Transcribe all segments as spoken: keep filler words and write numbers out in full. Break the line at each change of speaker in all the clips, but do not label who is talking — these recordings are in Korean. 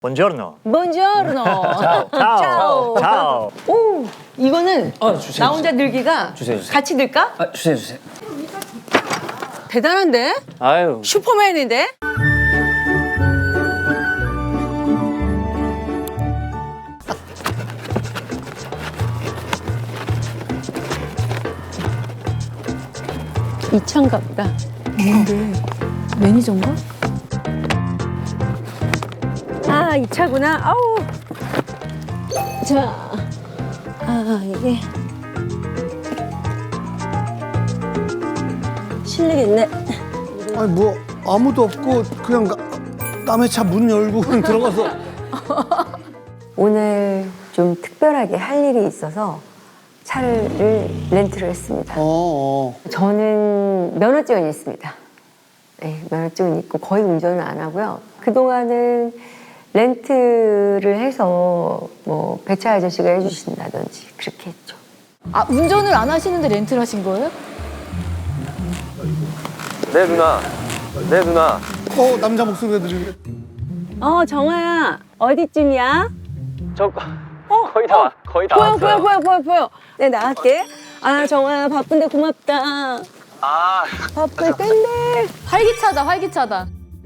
Buongiorno.
Buongiorno.
Ciao. Ciao. Ciao.
오, 이거는
아, 주세요,
나 혼자 늘기가
주세요, 주세요.
같이 늘까?
아, 주세요, 주세요.
대단한데?
아유.
슈퍼맨인데? 이 차인가 보다.
뭔데? 매니저인가?
아, 이 차구나. 아우. 자, 아, 이게 실례겠네.
아니 뭐 아무도 없고 그냥 가- 남의 차 문 열고 그냥 들어가서
오늘 좀 특별하게 할 일이 있어서 차를 렌트를 했습니다.
어, 어.
저는 면허증은 있습니다. 네, 면허증은 있고 거의 운전을 안 하고요. 그동안은 렌트를 해서 뭐 배차 아저씨가 해주신다든지 그렇게 했죠.
아, 운전을 안 하시는데 렌트를 하신 거예요?
네, 누나. 네, 누나.
어 남자 목소리가 들리네.
어, 정아야. 어디쯤이야?
저
어,
거의 다, 와- 거의 다
보여,
왔어요.
보여, 보여, 보여, 보여. 네, 나갈게. 아, 정아야, 바쁜데 고맙다.
아,
바쁠 텐데.
활기차다, 활기차다.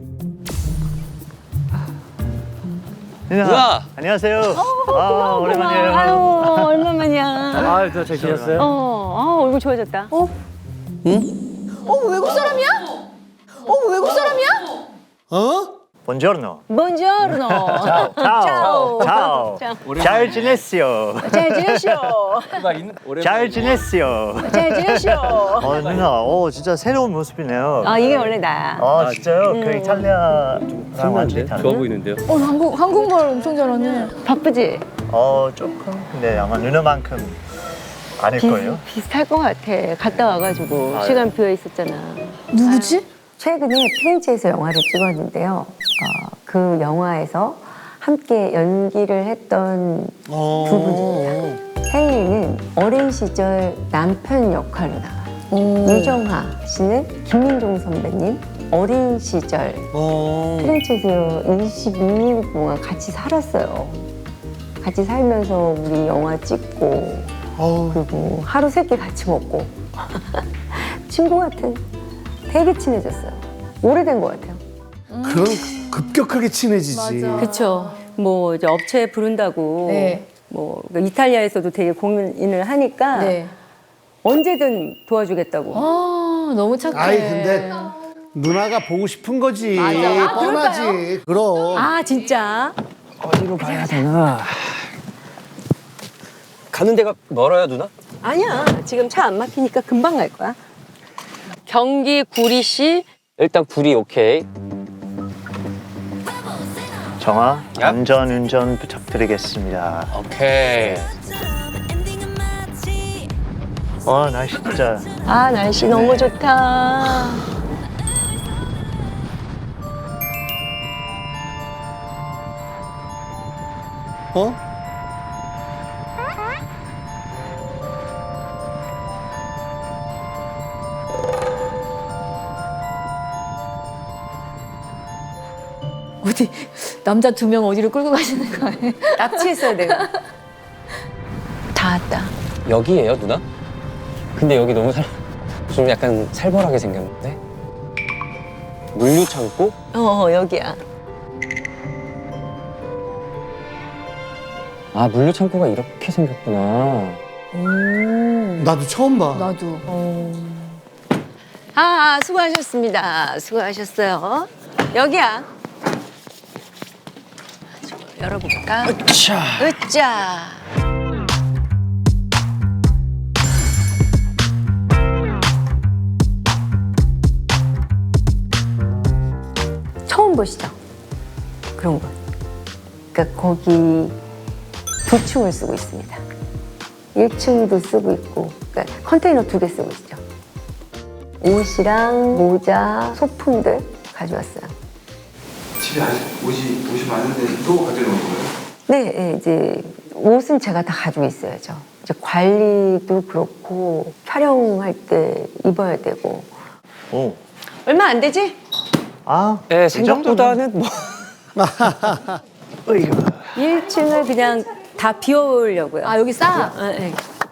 누나.
누나.
안녕하세요. 아,
고마워.
오랜만이에요.
아유, 얼마만이야.
아, 누나 잘 지냈어요?
어, 아, 얼굴 좋아졌다. 어?
어, 외국 사람이야? 어, 외국 사람이야?
어?
Buongiorno.
Buongiorno.
Ciao. Ciao. Ciao. 잘 지냈어요.
잘 지내시오.
누나 인, 오랜만에.
잘 지냈어요.
잘 지내시오.
어, 누나. 어, 진짜 새로운 모습이네요.
아, 이게 원래 나야.
아, 진짜요? 그 이탈리아랑 완전히 다르네.
좋아 보이는데요?
어, 한국, 한국말 엄청 잘하네.
바쁘지?
어, 조금. 근데 아마 누나만큼 아닐 거예요.
비슷할 것 같아. 갔다 와가지고
아유.
시간 비어 있었잖아.
누구지?
최근에 피렌체에서 영화를 찍었는데요. 어, 그 영화에서 함께 연기를 했던
어.
두 분입니다. 헨리는 어린 시절 남편 역할로 나와요. 유정하 씨는 김민종 선배님 어린 시절
어.
피렌체에서 이십이 일 동안 같이 살았어요. 같이 살면서 우리 영화 찍고
어우.
그리고 하루 세 끼 같이 먹고 친구 같은 되게 친해졌어요. 오래된 것 같아요.
그럼 급격하게 친해지지.
맞아.
그쵸. 뭐 이제 업체 부른다고.
네.
뭐 이탈리아에서도 되게 공연을 하니까
네.
언제든 도와주겠다고.
아, 너무 착해.
아이 근데 누나가 보고 싶은 거지.
맞아. 아,
뻔하지. 그럼.
아 진짜?
어디로 가야 되나? 가는 데가 멀어요, 누나?
아니야. 지금 차 안 막히니까 금방 갈 거야. 경기 구리시
일단 구리 오케이.
정아,
야.
안전운전 부탁드리겠습니다.
오케이.
와, 날씨 진짜.
아 날씨 너무 좋다.
어?
어디, 남자 두 명 어디로 끌고 가시는 거 아니에요?
납치했어야 돼. 다 왔다.
여기예요, 누나? 근데 여기 너무 살, 좀 약간 살벌하게 생겼는데? 물류 창고?
어, 어 여기야.
아, 물류 창고가 이렇게 생겼구나.
나도 처음 봐.
나도.
아, 아 수고하셨습니다. 수고하셨어요. 여기야. 열어볼까?
으쌰.
으짜.
처음 보시죠? 그런 거. 그러니까 거기 두 층을 쓰고 있습니다. 일 층도 쓰고 있고, 그러니까 컨테이너 두 개 쓰고 있죠. 옷이랑 모자, 소품들 가져왔어요.
집에 아직 옷이, 옷이 많은데 또 가져놓은 거예요?
네, 네, 이제 옷은 제가 다 가지고 있어야죠. 이제 관리도 그렇고 촬영할 때 입어야 되고.
오.
얼마 안 되지?
아,
예,
이 정도면.
생각보다는 뭐.
일 층을 그냥 다 비워보려고요.
아 여기 싸.
네.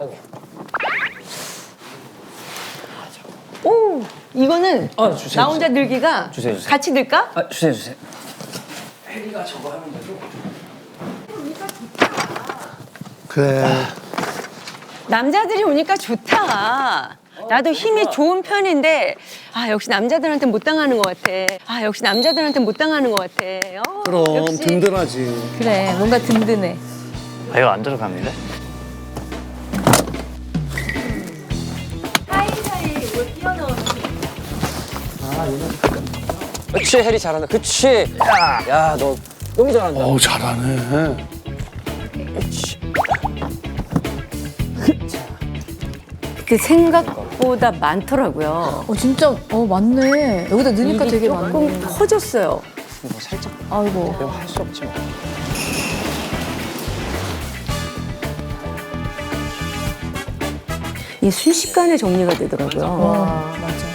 오, 이거는
아, 주세요,
나 혼자 늘기가
주세요, 주세요.
같이 늘까?
아, 주세요, 주세요.
그래.
남자들이 오니까 좋다. 나도 힘이 좋은 편인데 아 역시 남자들한테 못 당하는 것 같아. 아 역시 남자들한테 못 당하는 것 같아. 어,
그럼
역시.
든든하지.
그래 뭔가 든든해.
아, 이거 안 들어갑니다.
그치, 해리 잘한다. 그치. 야, 야, 너 너무 잘한다.
어우 잘하네.
그 생각보다 많더라고요.
어 진짜 어 맞네. 여기다 넣으니까 되게 많네.
조금 커졌어요.
뭐 살짝
아이고.
배워 할수 없지 뭐.
이 순식간에 정리가 되더라고요.
와 맞아.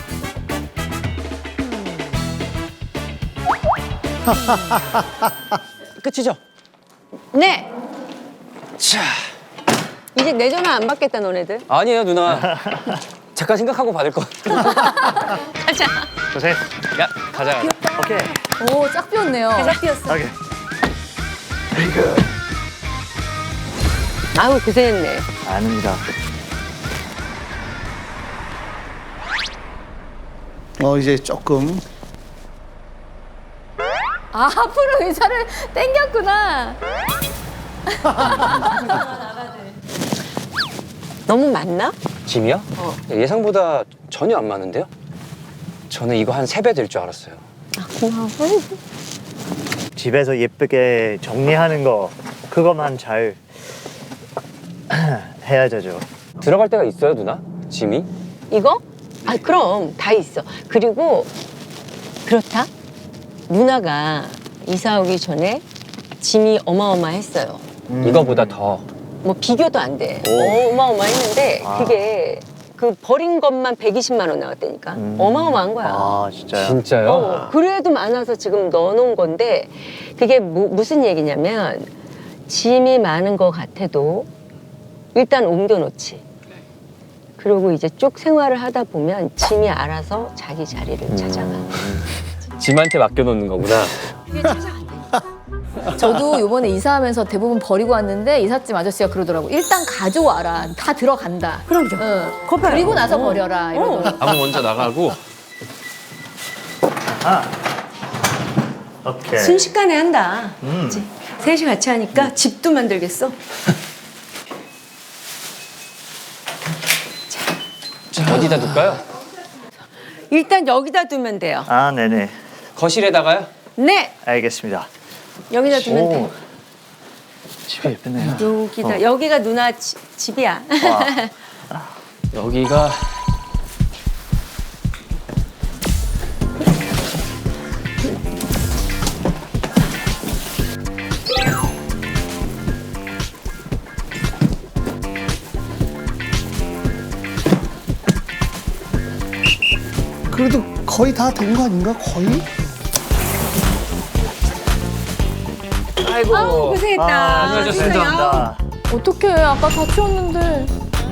끝이죠?
네,
자,
이제 내 전화 안 받겠다 너네들.
아니에요 누나. 잠깐 생각하고 받을 거.
가자.
고생.
야, 가자.
오케이.
오쫙 비었네요.
가자 뛰었어.
오케이.
아우 고생했네.
아닙니다.
어 이제 조금.
아 앞으로 의자를 당겼구나.
너무 많나?
짐이요?
어.
예상보다 전혀 안 많은데요? 저는 이거 한 세 배 될 줄 알았어요.
아 고마워.
집에서 예쁘게 정리하는 거 그것만 잘 해야 되죠.
들어갈 데가 있어요 누나? 짐이?
이거? 아 그럼 다 있어. 그리고 그렇다. 누나가 이사 오기 전에 짐이 어마어마했어요.
음.
이거보다 더.
뭐 비교도 안 돼.
오.
어마어마했는데
아.
그게 그 버린 것만 백이십만 원 나왔다니까.
음.
어마어마한 거야.
아, 진짜요?
진짜요?
어, 그래도 많아서 지금 넣어놓은 건데 그게 무, 무슨 얘기냐면 짐이 많은 것 같아도 일단 옮겨놓지. 그리고 이제 쭉 생활을 하다 보면 짐이 알아서 자기 자리를 찾아가.
짐한테 맡겨놓는 거구나.
저도 요번에 이사하면서 대부분 버리고 왔는데 이삿짐 아저씨가 그러더라고. 일단 가져와라. 다 들어간다.
그럼요.
응.
그거 봐요.
그리고 나서
어.
버려라. 이러더라고.
아무 먼저 나가고.
아. 오케이.
순식간에 한다.
음.
그치? 셋이 같이 하니까 집도 만들겠어.
자, 어디다 둘까요?
일단 여기다 두면 돼요.
아, 네네.
거실에다가요?
네,
알겠습니다.
여기다 두면
오.
돼.
집이 예쁘네요.
여기다
어.
여기가 누나 지- 집이야.
와.
여기가
그래도 거의 다 된 거 아닌가? 거의?
아이고.
아우 고생했다.
아,
수고하셨습니다.
감사합니다.
어떡해. 아까 다 치웠는데.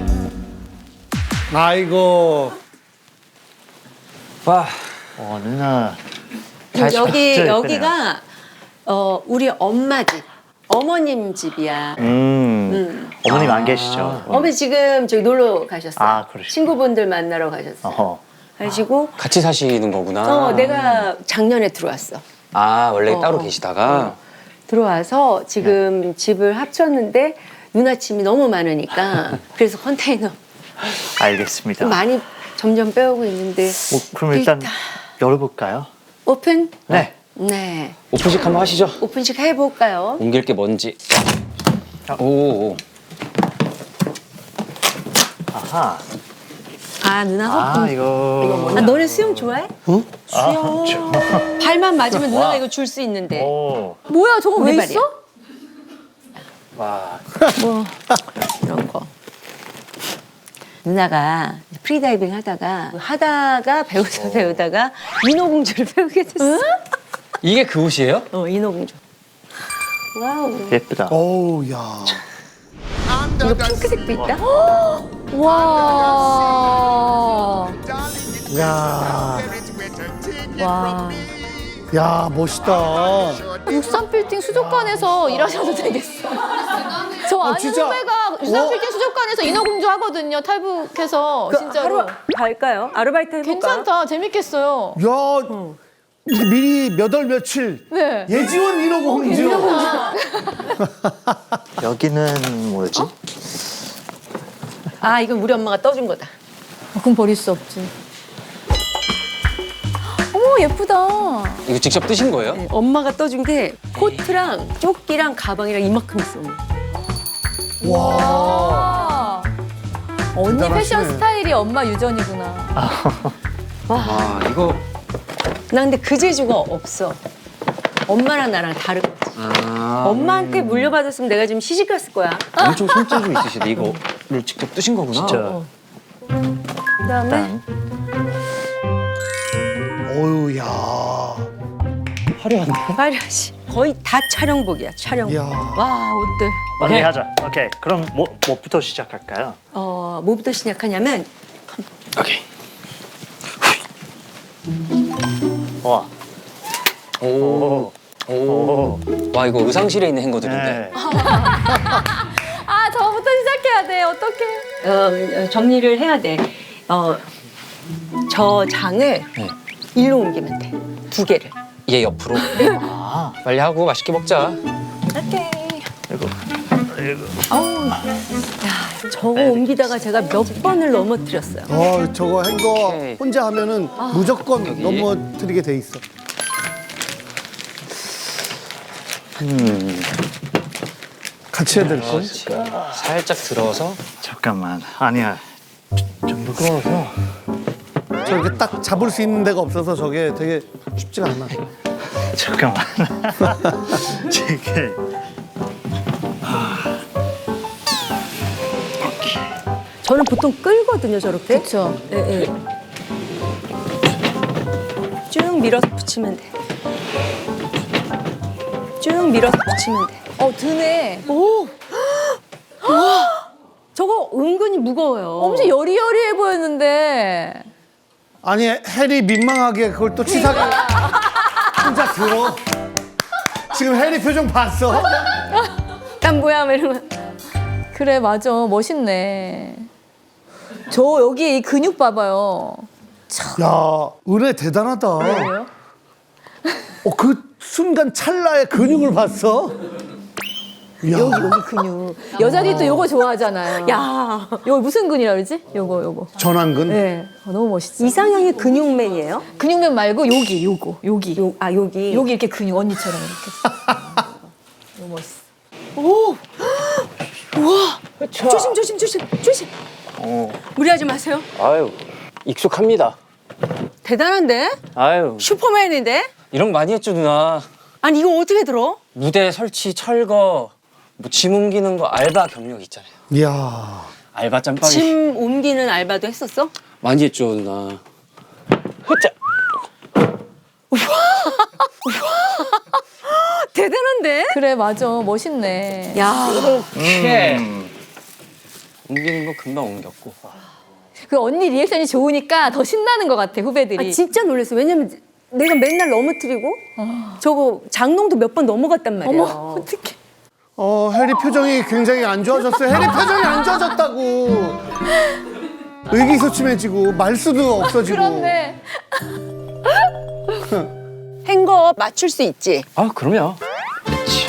아이고.
와.
어, 누나.
여기
진짜
여기가 어 우리 엄마 집, 어머님 집이야.
음.
음.
어머님 안 계시죠?
어머니 지금 저기 놀러 가셨어요.
아, 그러시구나.
친구분들 만나러 가셨어요.
어허.
가지고
같이 사시는 거구나.
어 내가 작년에 들어왔어.
아, 원래
어,
따로
어.
계시다가.
들어와서 지금 집을 합쳤는데 누나 짐이 너무 많으니까 그래서 컨테이너
알겠습니다.
많이 점점 빼오고 있는데
뭐, 그럼 일단 열어볼까요?
오픈?
네.
네.
오픈식 한번 하시죠.
오픈식 해볼까요?
옮길 게 뭔지. 오, 오.
아하.
아 누나
아,
허풍.
이거.
아 너네 수영 좋아해?
어?
아, 저-
발만 맞으면 누나가
와.
이거 줄 수 있는데.
오.
뭐야 저거 왜
우리 말이야.
있어?
와.
뭐 이런 거. 누나가 프리다이빙 하다가 하다가 배우다 배우다가 인어공주를 배우게 됐어.
이게 그 옷이에요?
어 인어공주. 와우.
예쁘다.
어우, 야.
이거 핑크색도 있다?
와.
야.
와.
야, 멋있다.
육삼 빌딩 수족관에서 일하셔도 되겠어. 저 아는
진짜.
후배가 육삼
어?
빌딩 수족관에서 인어공주 하거든요. 탈북해서 진짜로.
하루 갈까요? 아르바이트 해볼까?
괜찮다. 재밌겠어요.
야, 이게 미리 몇 월 며칠.
네.
예지원 인어공주.
여기는 뭐지?
아 이건 우리 엄마가 떠준 거다.
어, 그럼 버릴 수 없지. 어머 예쁘다.
이거 직접 뜨신 거예요?
네, 엄마가 떠준 게 코트랑 조끼랑 가방이랑 이만큼 있어.
와.
아. 언니
대단하시네.
패션 스타일이 엄마 유전이구나.
와 이거
나 근데 그 재주가 없어. 엄마랑 나랑 다른 거지.
아,
엄마한테 물려받았으면 내가 지금 시집 갔을 거야.
엄청 손재주 있으시네. 이거를 직접 뜨신 거구나.
진짜.
그다음에
일단
어유, 야.
화려한데?
화려하지. 거의 다 촬영복이야. 촬영복.
야.
와 옷들.
빨리
오케이.
하자. 오케이. 그럼 뭐 뭐부터 시작할까요?
어 뭐부터 시작하냐면
오케이.
와.
오.
오.
오. 와 이거 의상실에 있는 행거들인데.
네.
아 저부터 시작해야 돼. 어떡해.
어, 정리를 해야 돼. 어, 저 장을
네.
일로 옮기면 돼. 두 개를.
얘 옆으로.
아,
빨리 하고 맛있게 먹자.
오케이.
이거. 이거.
저거 옮기다가 제가 몇 번을 넘어뜨렸어요.
어, 저거 행거
오케이.
혼자 하면은 무조건
여기.
넘어뜨리게 돼 있어.
음.
같이 해야 될 걸?
그렇지. 살짝 들어서.
잠깐만. 아니야. 좀 무거워서.
저렇게 딱 잡을 수 있는 데가 없어서 저게 되게 쉽지가 않아.
잠깐만. 이게.
저는 보통 끌거든요, 저렇게.
그렇죠.
예, 예. 쭉 밀어서 붙이면 돼. 쭉 밀어서 붙이면 돼.
어 드네.
오! 와! 저거 은근히 무거워요.
엄청 여리여리해 보였는데.
아니, 해리 민망하게 그걸 또 치사하게 혼자 들어. 지금 해리 표정 봤어?
난 뭐야, 막 이러면.
그래 맞아 멋있네. 저 여기 이 근육 봐봐요.
야, 은혜 대단하다.
왜요?
어, 그 순간 찰나의 근육을 봤어? 야.
여기 여기 근육. 여자들이 또 요거 좋아하잖아요.
야,
요거 무슨 근이라 그러지? 요거 요거.
전완근?
네. 어, 너무 멋있어.
이상형이 근육맨이에요?
근육면 말고 여기 요거 여기.
요, 아, 여기.
여기 이렇게 근육 언니처럼 이렇게. 너무 멋있어.
오! 우와! 조심, 조심, 조심, 조심.
오.
무리하지 마세요.
아유 익숙합니다.
대단한데?
아유
슈퍼맨인데?
이런 거 많이 했죠 누나.
아니, 이거 어떻게 들어?
무대 설치, 철거, 뭐 짐 옮기는 거 알바 경력 있잖아요.
이야.
알바 짬밥이
짐 옮기는 알바도 했었어?
많이 했죠 누나. 흐짜.
대단한데?
그래 맞아 멋있네.
야,
이렇게 옮기는 거 금방 옮겼고.
그 언니 리액션이 좋으니까 더 신나는 것 같아 후배들이.
아, 진짜 놀랐어. 왜냐면 내가 맨날 넘어뜨리고 저거 장롱도 몇 번 넘어갔단 말이야.
어머 어떡해.
어, 해리 표정이 굉장히 안 좋아졌어요. 해리 표정이 안 좋아졌다고. 의기소침해지고 말수도 없어지고.
그렇네.
행거 맞출 수 있지?
아 그럼요. 그렇지.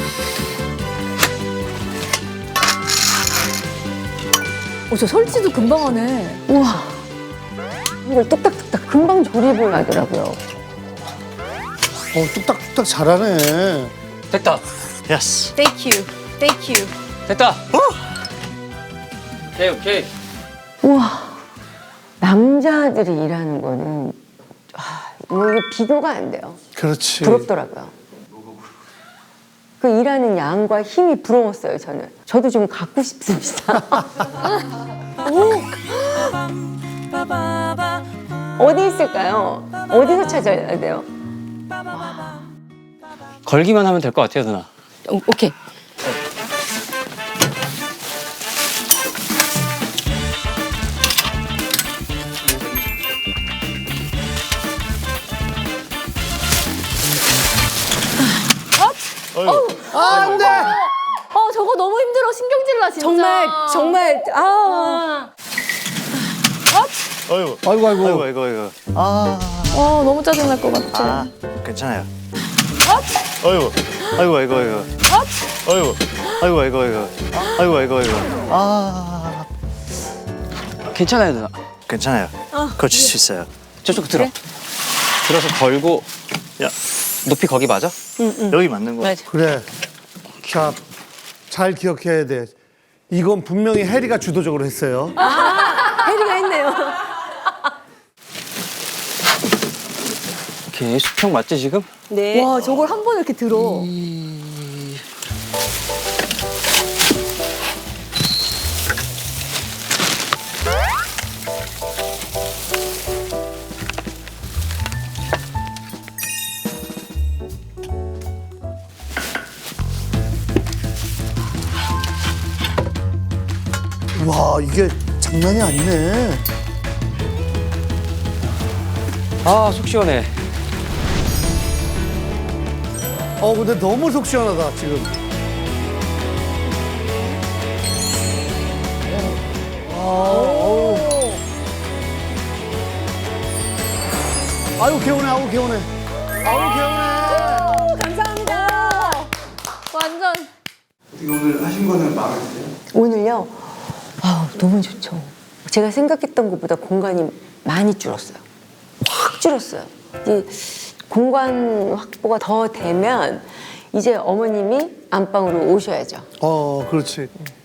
어, 저 설치도 금방 하네.
우와.
이걸 뚝딱뚝딱 금방 조립을 하더라고요.
어, 뚝딱뚝딱 잘하네.
됐다.
예스.
Thank you. Thank you.
됐다. 오케이 오케이.
우와. 남자들이 일하는 거는 아, 이게 비교가 안 돼요.
그렇지.
부럽더라고요. 그 일하는 양과 힘이 부러웠어요, 저는. 저도 좀 갖고 싶습니다. 어디 있을까요? 어디서 찾아야 돼요?
걸기만 하면 될 것 같아요 누나.
오, 오케이.
안 돼!
어 저거 너무 힘들어. 신경질 나 진짜.
정말 정말 아.
어이구.
아이고, 아이고.
아이고, 아이고, 아이고. 아,
어 너무 짜증 날 것 같아.
아, 괜찮아요. 어이구. 아이고, 아이고, 아이고. 어이구. 아이고, 아이고, 아이고. 아이고, 아이고, 아이고. 아,
괜찮아요 누나.
괜찮아요. 고칠 수 있어요.
저쪽 들어. 들어서 걸고
야,
높이 거기 맞아?
여기 맞는 거.
맞아.
그래. 자, 잘 기억해야 돼. 이건 분명히 해리가 주도적으로 했어요.
해리가 했네요.
오케이 수평 맞지 지금?
네.
와 저걸 한 번에 이렇게 들어.
와, 이게 장난이 아니네.
아 속 시원해.
어, 근데 너무 속 시원하다, 지금. 아, 아유, 개운해, 아우, 개운해. 아우, 개운해.
감사합니다. 완전.
어떻게 오늘 하신 거는 마음에 드세요?
오늘요? 아, 너무 좋죠. 제가 생각했던 것보다 공간이 많이 줄었어요. 확 줄었어요. 이제 공간 확보가 더 되면 이제 어머님이 안방으로 오셔야죠.
어, 그렇지.